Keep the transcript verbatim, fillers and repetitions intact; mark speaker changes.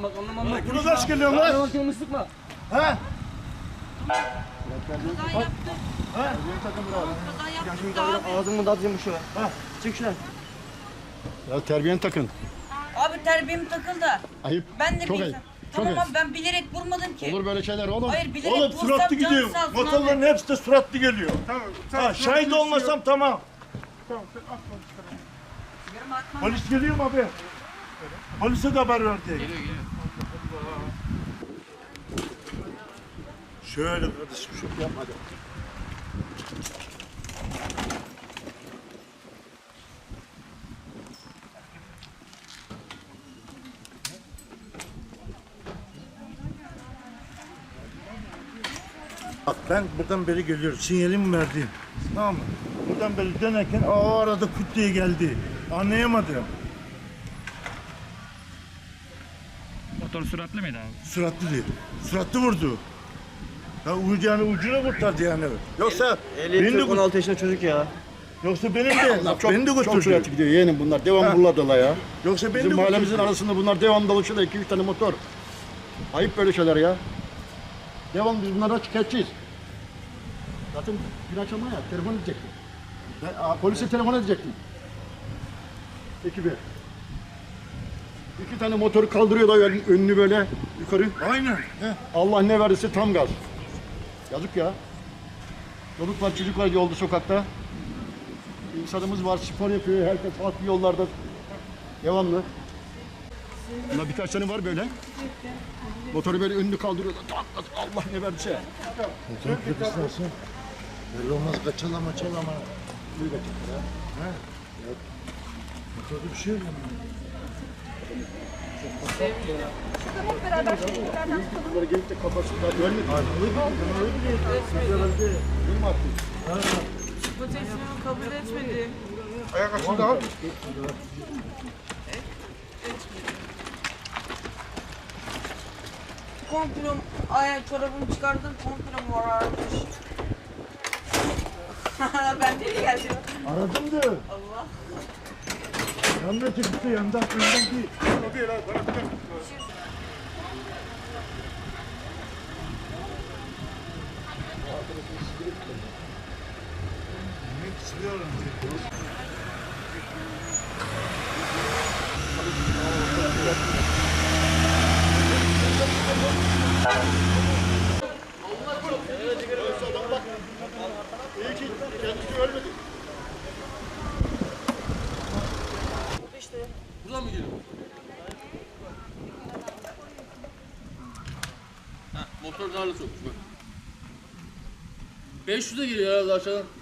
Speaker 1: Anlamam bak anlamam bak.
Speaker 2: Bunu kaç geliyor lan?
Speaker 1: Anlamam canımı sıkma.
Speaker 2: Ha?
Speaker 3: Kaza yaptık.
Speaker 2: Ha?
Speaker 3: Kaza yaptık da abi.
Speaker 1: Ağzımı da atayım şuna.
Speaker 2: Ha?
Speaker 1: Çık şuna.
Speaker 4: Ya terbiyeni takın.
Speaker 3: Abi terbiyem takıldı.
Speaker 4: Ayıp.
Speaker 3: Ben de
Speaker 4: Çok
Speaker 3: bir
Speaker 4: ayıp.
Speaker 3: Tamam
Speaker 4: Çok
Speaker 3: abi
Speaker 4: ayıp.
Speaker 3: ben bilerek vurmadım ki.
Speaker 4: Olur böyle şeyler oğlum.
Speaker 3: Hayır bilerek
Speaker 2: Oğlum
Speaker 3: vursam
Speaker 2: suratlı
Speaker 3: canı
Speaker 2: gidiyor.
Speaker 3: sağ olsun
Speaker 2: Motorların
Speaker 3: abi.
Speaker 2: hepsi de suratlı geliyor.
Speaker 5: Tamam.
Speaker 2: Ha, şahit olmasam tamam.
Speaker 5: Tamam sen at onu çıkaralım.
Speaker 3: Yarım atmam.
Speaker 2: Polis geliyor mu abi? Polise de haber verdik.
Speaker 1: Geliyor geliyor.
Speaker 2: Şöyle kardeşim şu yapma hadi. Bak ben buradan beri geliyorum. Sinyalimi verdim. Tamam mı? Buradan beri dönerken o arada kut diye geldi. Anlayamadım.
Speaker 6: Motor süratli miydi abi?
Speaker 2: Süratli değil. Süratli vurdu. Ya ucu yani ucuna kurtardı yani. Yoksa beni de,
Speaker 1: on altı yaşında çocuk ya.
Speaker 2: yoksa benim de
Speaker 4: Çok,
Speaker 2: beni de
Speaker 4: çok
Speaker 2: götürdü.
Speaker 4: süratli gidiyor yeğenim bunlar. Devam
Speaker 2: Ha.
Speaker 4: buralardalar ya.
Speaker 2: Yoksa beni
Speaker 4: Bizim
Speaker 2: de
Speaker 4: mahallemizin
Speaker 2: götürdü.
Speaker 4: arasında bunlar devam dolaşıyorlar. iki üç tane motor. Ayıp böyle şeyler ya. Devam biz bunlara şikayetçiyiz. Zaten bir akşam ya telefon edecektim. Ben, aa, polise telefon edecektim. Ekibi. İki tane motoru kaldırıyorlar ön- önünü böyle yukarı.
Speaker 2: Aynen. He.
Speaker 4: Allah ne verirse tam gaz. Yazık ya. Çocuk var, çocuk var yolda, sokakta. İnsanımız var, spor yapıyor. Herkes farklı yollarda. Devamlı. Bunda birkaç tane var böyle. Motoru böyle önünü kaldırıyor. Tak, tak, Allah ne verirse.
Speaker 2: Motor plakası nasıl? Belli olmaz kaçala maçala ama.
Speaker 4: Buyur bakayım ya.
Speaker 2: He? Motorda bir şey yok ama.
Speaker 4: Bunları gelip de kafasından ölmedi. Değil mi artık?
Speaker 7: Bu teslimi kabul etmedi.
Speaker 5: Ayak açıldı abi.
Speaker 7: Komplom ayak çorabımı çıkardım, komplom var aramış. Ben de geldim.
Speaker 2: Aradım da.
Speaker 7: Allah.
Speaker 2: Yanına çıktı yandan önden değil.
Speaker 5: O değil abi. Bana bir dakika.
Speaker 4: İyi ki kendisi ölmedi.
Speaker 1: Buradan mı geliyor? Ha, motor darla sokmuş bak. beş yüze geliyor herhalde aşağıdan.